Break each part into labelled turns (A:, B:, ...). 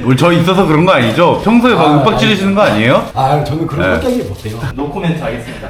A: 우리 저 있어서 그런 거 아니죠? 평소에 막 윽박 지르시는 거 아니에요?
B: 아 저는 그런 성격이 못해요.
C: 노코멘트 하겠습니다.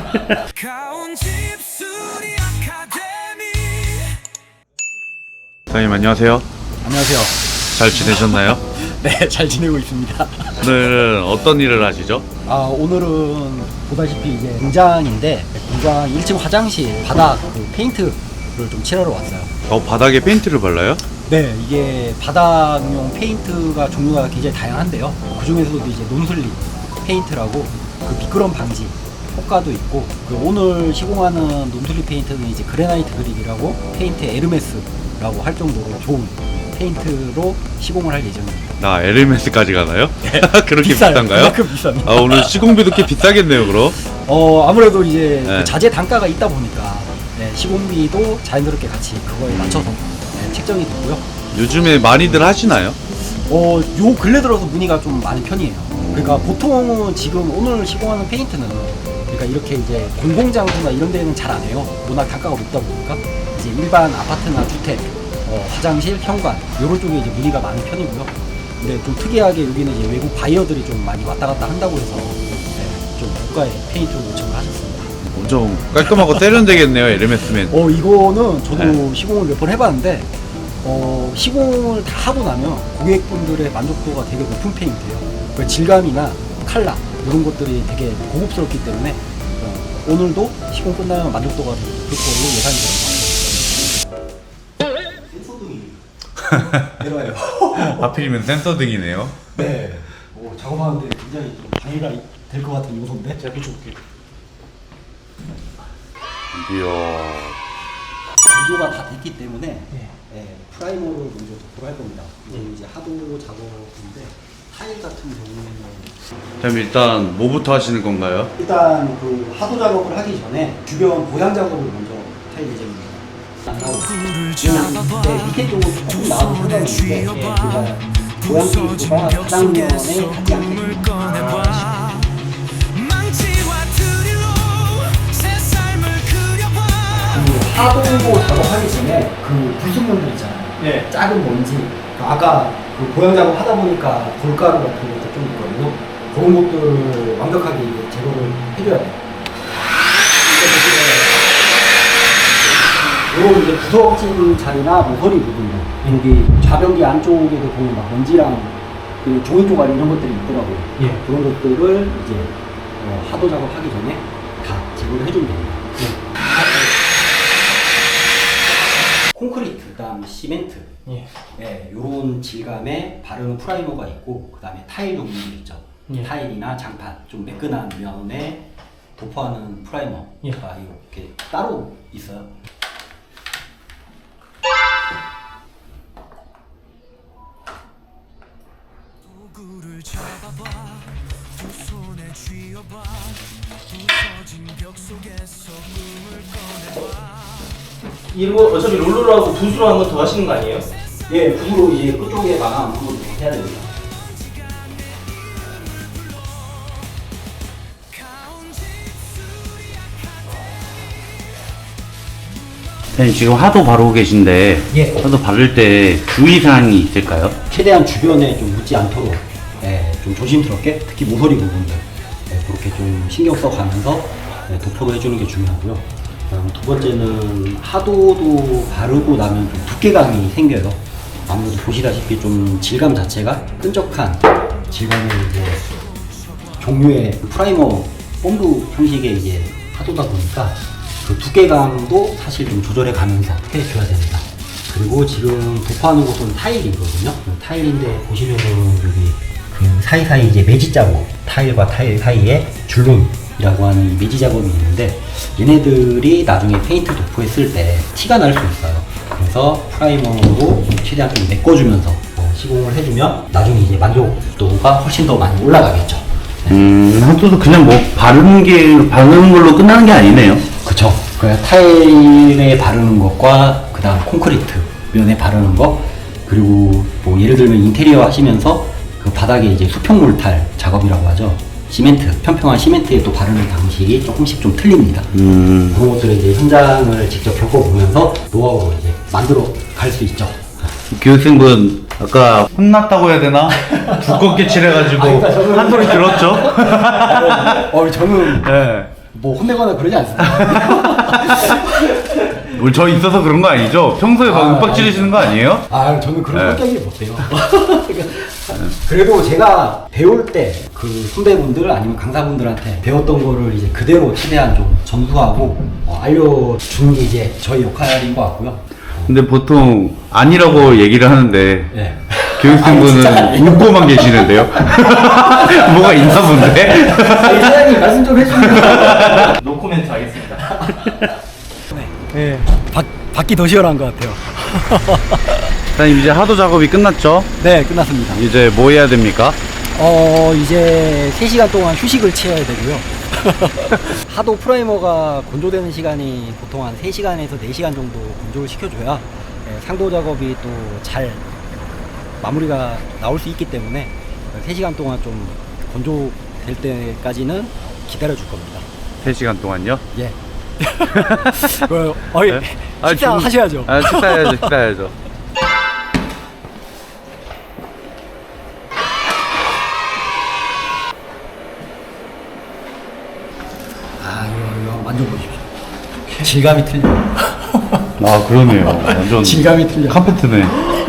A: 사장님 안녕하세요.
B: 안녕하세요.
A: 잘 지내셨나요?
B: 네, 잘 지내고 있습니다.
A: 오늘은 어떤 일을 하시죠?
B: 오늘은 보다시피 이제 공장인데 공장 1층 화장실 바닥 그 페인트를 좀 칠하러 왔어요.
A: 바닥에 페인트를 발라요?
B: 네, 이게 바닥용 페인트가 종류가 굉장히 다양한데요. 그 중에서도 이제 논슬립 페인트라고 그 미끄럼 방지 효과도 있고, 그 오늘 시공하는 논슬립 페인트는 이제 그레나이트 그립이라고 페인트 에르메스라고 할 정도로 좋은 페인트로 시공을 할 예정입니다.
A: 나 LMS까지 가나요?
B: 네.
A: 그렇게
B: 비싸요.
A: 비싼가요?
B: 그만큼 비쌉니다.
A: 오늘 시공비도 꽤 비싸겠네요, 그럼?
B: 아무래도 이제
A: 네.
B: 그 자재 단가가 있다 보니까 네, 시공비도 자연스럽게 같이 그거에 맞춰서 네, 책정이 되고요.
A: 요즘에 많이들 하시나요?
B: 요 근래 들어서 문의가 좀 많은 편이에요. 그러니까 보통은 지금 오늘 시공하는 페인트는 그러니까 이렇게 이제 공공장소나 이런 데는 잘 안 해요. 워낙 단가가 높다 보니까 이제 일반 아파트나 주택, 화장실, 현관 이런 쪽에 이제 문의가 많은 편이고요. 근데 좀 특이하게 여기는 이제 외국 바이어들이 좀 많이 왔다 갔다 한다고 해서 네, 좀 고가의 페인트를 요청을 하셨습니다.
A: 엄청 깔끔하고 세련되겠네요, LMS면.
B: 이거는 저도
A: 네.
B: 시공을 몇 번 해봤는데 시공을 다 하고 나면 고객분들의 만족도가 되게 높은 페인트예요. 그 질감이나 컬러 이런 것들이 되게 고급스럽기 때문에 오늘도 시공 끝나면 만족도가 되게 높을 걸로 예상이 됩니다. 내려와요.
A: 하필이면 센서 등이네요.
B: 네. 작업하는데 굉장히 좀 방해가 될 것 같은 요소인데 제가 비춰볼게요.
A: 이야.
B: 구조가 다 됐기 때문에 프라이머를 먼저 도포를 할 겁니다. 이제 하도 작업인데 타일 같은 경우에는
A: 그럼 일단 뭐부터 하시는 건가요?
B: 일단 그 하도 작업을 하기 전에 주변 보양 작업을 먼저 할 예정입니다. 안 나오고 그냥 밑에 쪽으로 조금 나와도 상관없는데 그러니까 보양 피스가 바닥면에 닿지 않게 하도 작업하기 전에 그 불순물들 있잖아요.
C: 네.
B: 작은 먼지. 아까 그 보양 작업 하다 보니까 돌가루 같은 것도 좀 있거든요. 그런 것들을 완벽하게 이제 제거를 해줘야 돼요. 이런 이제 구석진 자리나 모서리 부분들, 여기 좌변기 안쪽에도 보면 막 먼지랑 그 종이 조각 이런 것들이 있더라고요.
C: 예.
B: 그런 것들을 이제 하도 작업하기 전에 다 제거를 해주면 됩니다. 콘크리트, 그다음 시멘트, 요런 질감의 바르는 프라이머가 있고, 그다음에 타일 종류들 있죠. 타일이나 장판, 좀 매끈한 면에 도포하는 프라이머가 이렇게 따로 있어요.
D: 도구를 잡아봐, 두 손에 쥐어봐, 부서진 벽 속에서 꿈을 꺼내봐.
C: 이런 거 어차피 롤러로 하고 붓으로 한 번 더 하시는 거 아니에요?
B: 예, 붓으로 이제 끝쪽에 마감 한번 해야 됩니다.
A: 선생님 지금 하도 바르고 계신데
B: 예.
A: 하도 바를 때 주의사항이 있을까요?
B: 최대한 주변에 좀 묻지 않도록 좀 조심스럽게, 특히 모서리 부분들 그렇게 좀 신경 써가면서 도포를 해주는 게 중요하고요. 그다음 두 번째는 하도도 바르고 나면 좀 두께감이 생겨요. 아무래도 보시다시피 좀 질감 자체가 끈적한 질감의 이제 종류의 프라이머 본드 형식의 이제 하도다 보니까 그 두께감도 사실 좀 조절해 가면서 해줘야 됩니다. 그리고 지금 도포하는 곳은 타일이거든요. 타일인데 보시면은 여기 그 사이사이 이제 매지 자국, 타일과 타일 사이에 줄눈이라고 하는 이 매지 작업이 있는데, 얘네들이 나중에 페인트 도포했을 때 티가 날 수 있어요. 그래서 프라이머로 최대한 좀 메꿔주면서 시공을 해주면 나중에 이제 만족도가 훨씬 더 많이 올라가겠죠.
A: 하도도 그냥 뭐 바르는 걸로 끝나는 게 아니네요.
B: 그쵸. 그 타일에 바르는 것과 그 다음 콘크리트 면에 바르는 것, 그리고 뭐 예를 들면 인테리어 하시면서 그 바닥에 이제 수평 몰탈 작업이라고 하죠. 시멘트, 평평한 시멘트에 또 바르는 방식이 조금씩 좀 틀립니다. 그런 것들을 이제 현장을 직접 겪어보면서 노하우로 이제 만들어 갈 수 있죠.
A: 교육생분 아까 혼났다고 해야 되나? 두껍게 칠해가지고
B: 그러니까 저는-
A: 한 소리 들었죠?
B: 저는
A: 네.
B: 뭐 혼내거나 그러지 않습니다.
A: 우리 저 있어서 그런 거 아니죠? 평소에 막 윽박 지르시는 거 아니에요?
B: 저는 그런
A: 네.
B: 성격이 못해요. 그래도 제가 배울 때 그 선배분들 아니면 강사분들한테 배웠던 거를 이제 그대로 최대한 좀 전수하고 알려주는 게 이제 저희 역할인 것 같고요.
A: 근데 보통 아니라고 얘기를 하는데
B: 네.
A: 교육생분은 웃고만 계시는데요? 뭐가 있나 본데?
B: 사장님 말씀 좀 해주세요.
C: 노코멘트 하겠습니다.
B: 네. 밖이 더 시원한 것 같아요.
A: 사장님 이제 하도 작업이 끝났죠?
B: 네, 끝났습니다.
A: 이제 뭐 해야 됩니까?
B: 이제 3시간 동안 휴식을 취해야 되고요. 하도 프라이머가 건조되는 시간이 보통 한 3시간에서 4시간 정도 건조를 시켜줘야 상도 작업이 또 잘 마무리가 나올 수 있기 때문에 3시간 동안 좀 건조될 때까지는 기다려 줄 겁니다.
A: 3시간 동안요?
B: 예.
A: 네?
B: 식사 하셔야죠.
A: 식사해야죠.
B: 이거 만져보십시오. 질감이 틀려.
A: 아, 그러네요. 완전
B: 질감이 틀려.
A: 카페트네.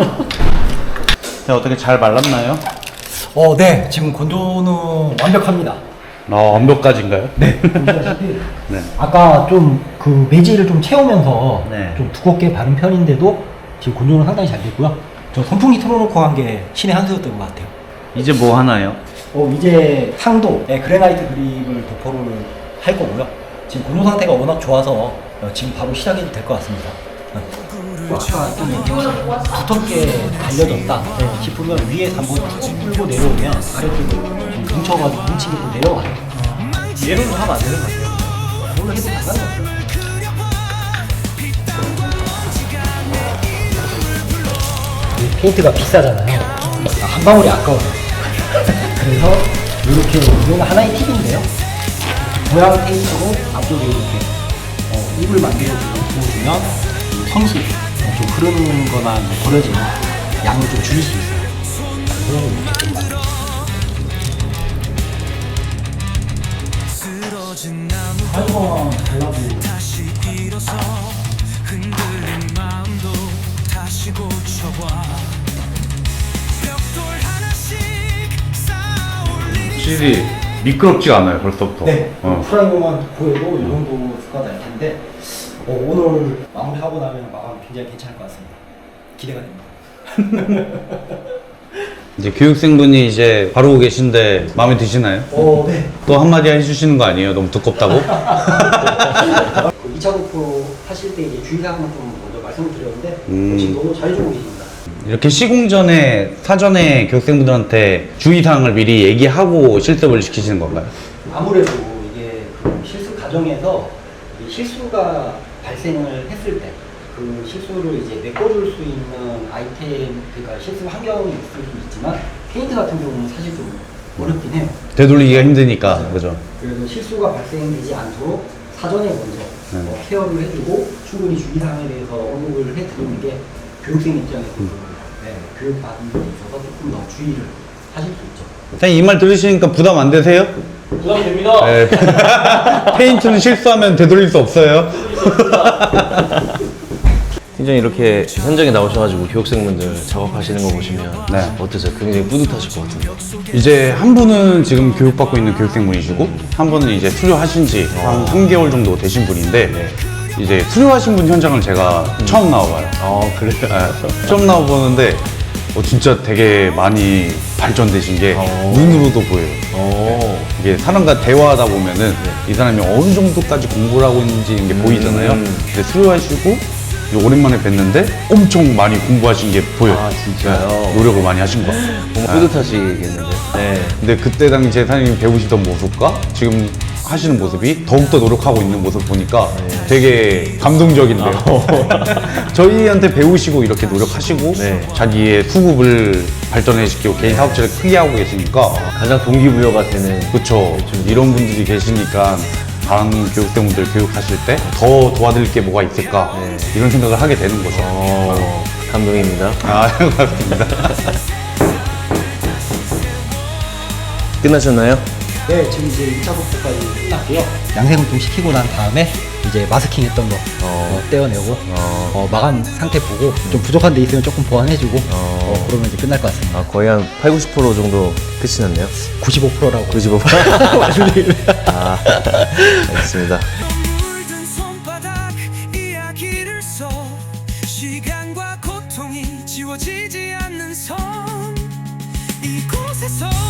A: 어떻게 잘 말랐나요?
B: 네. 지금 건조는 완벽합니다.
A: 완벽까지인가요?
B: 네. 보시다시피
A: 네.
B: 아까 좀 그 매질을 좀 채우면서
A: 네.
B: 좀 두껍게 바른 편인데도 지금 건조는 상당히 잘 됐고요. 저 선풍기 틀어놓고 한 게 신의 한 수였던 것 같아요.
A: 이제 뭐 하나요?
B: 이제 상도 그래나이트 그립을 도포를 할 거고요. 지금 건조 상태가 워낙 좋아서 지금 바로 시작해도 될 것 같습니다. 아까 좀 이렇게 두텁게 달려졌다 싶으면 위에서 한번 쭉 끌고 내려오면 아래쪽으로 좀 뭉쳐가지고 뭉치게 또 내려와요.
C: 얘는 하면 안 되는 것 같아요.
B: 그걸로 해도 상관없어요. 이 페인트가 비싸잖아요. 한 방울이 아까워요. 그래서 이렇게 이건 하나의 팁인데요. 모양 페인트로 앞쪽에 이렇게 입을 만들어주고 부어주면 이 성실 좀 흐르는 거나 버려지는 양을 좀 줄일 수 있어요. 그래서 이렇게 좀 만들어주세요.
D: 쓰러진 나무
B: 한번 잘라도
D: 다시 일어서 흔들린 마음도 다시 고쳐봐 벽돌 하나씩 쌓아올리니
A: 확실히 미끄럽지가 않아요, 벌써부터.
B: 네, 프라이머만 보여도 이 정도 수가 날 텐데 오늘 마무리하고 나면 마감이 굉장히 괜찮을 것 같습니다. 기대가 됩니다.
A: 이제 교육생분이 이제 바르고 계신데 마음에 드시나요?
B: 네.
A: 또 한마디 해주시는 거 아니에요? 너무 두껍다고?
B: 2차 도포 하실 때 이제 주의사항만 좀 먼저 말씀을 드렸는데 지금 너무 잘해주고 계십니다.
A: 이렇게 시공 전에 사전에 교육생분들한테 주의사항을 미리 얘기하고 실습을 시키시는 건가요?
B: 아무래도 이게 그 실수 과정에서 이 실수가 발생을 했을 때 그 실수를 이제 메꿔줄 수 있는 아이템, 그러니까 실수 환경이 있을 수 있지만 페인트 같은 경우는 사실 좀 어렵긴 해요.
A: 되돌리기가 힘드니까, 그죠?
B: 그래서 실수가 발생되지 않도록 사전에 먼저 케어를 해주고 충분히 주의사항에 대해서 언급을 해드리는 게 교육생 입장에서 교육받는 데 있어서 조금 더 주의를 하실 수 있죠.
A: 선생님 이 말 들으시니까 부담 안 되세요?
C: 부담됩니다.
A: 네. 페인트는 실수하면 되돌릴 수 없어요.
E: 굉장히 이렇게 현장에 나오셔가지고 교육생분들 작업하시는 거 보시면
A: 네.
E: 어떠세요? 굉장히 뿌듯하실 것 같은데.
A: 이제 한 분은 지금 교육받고 있는 교육생분이시고 한 분은 이제 수료하신 지 한 3개월 정도 되신 분인데 이제 수료하신 분 현장을 제가 처음 나와봐요.
E: 그래요?
A: 네, 처음 나와보는데 진짜 되게 많이 발전되신 게 눈으로도 보여요. 이게 사람과 대화하다 보면은 이 사람이 어느 정도까지 공부를 하고 있는지 이게 보이잖아요. 근데 수료하시고 이제 오랜만에 뵀는데 엄청 많이 공부하신 게 보여요.
E: 아, 진짜요?
A: 네, 노력을 많이 하신 것 같아요.
E: 뭔가 뿌듯하시겠는데. 네.
A: 근데 그때 당시에 사장님이 배우시던 모습과 지금 하시는 모습이 더욱더 노력하고 있는 모습 보니까 되게 감동적인데요. 저희한테 배우시고 이렇게 노력하시고
E: 네.
A: 자기의 수급을 발전시키고 개인 사업체를 크게 하고 계시니까
E: 가장 동기부여가 되는.
A: 그쵸. 이런 분들이 계시니까 다른 교육생분들 교육하실 때 더 도와드릴 게 뭐가 있을까 이런 생각을 하게 되는 거죠.
E: 감동입니다.
A: 아, 반갑습니다.
E: 끝나셨나요?
B: 네, 지금 이제 2차 독보까지 끝났고요. 양생을 좀 시키고 난 다음에 이제 마스킹 했던 거 떼어내고 마감 상태 보고 좀 부족한 데 있으면 조금 보완해주고 그러면 이제 끝날 것 같습니다.
E: 아, 거의 한 80, 90% 정도 끝이 났네요.
B: 95%라고
E: 95%? 아, 알겠습니다.
D: 물든 손바닥 이야기를 써 시간과 고통이 지워지지 않는 섬 이곳에서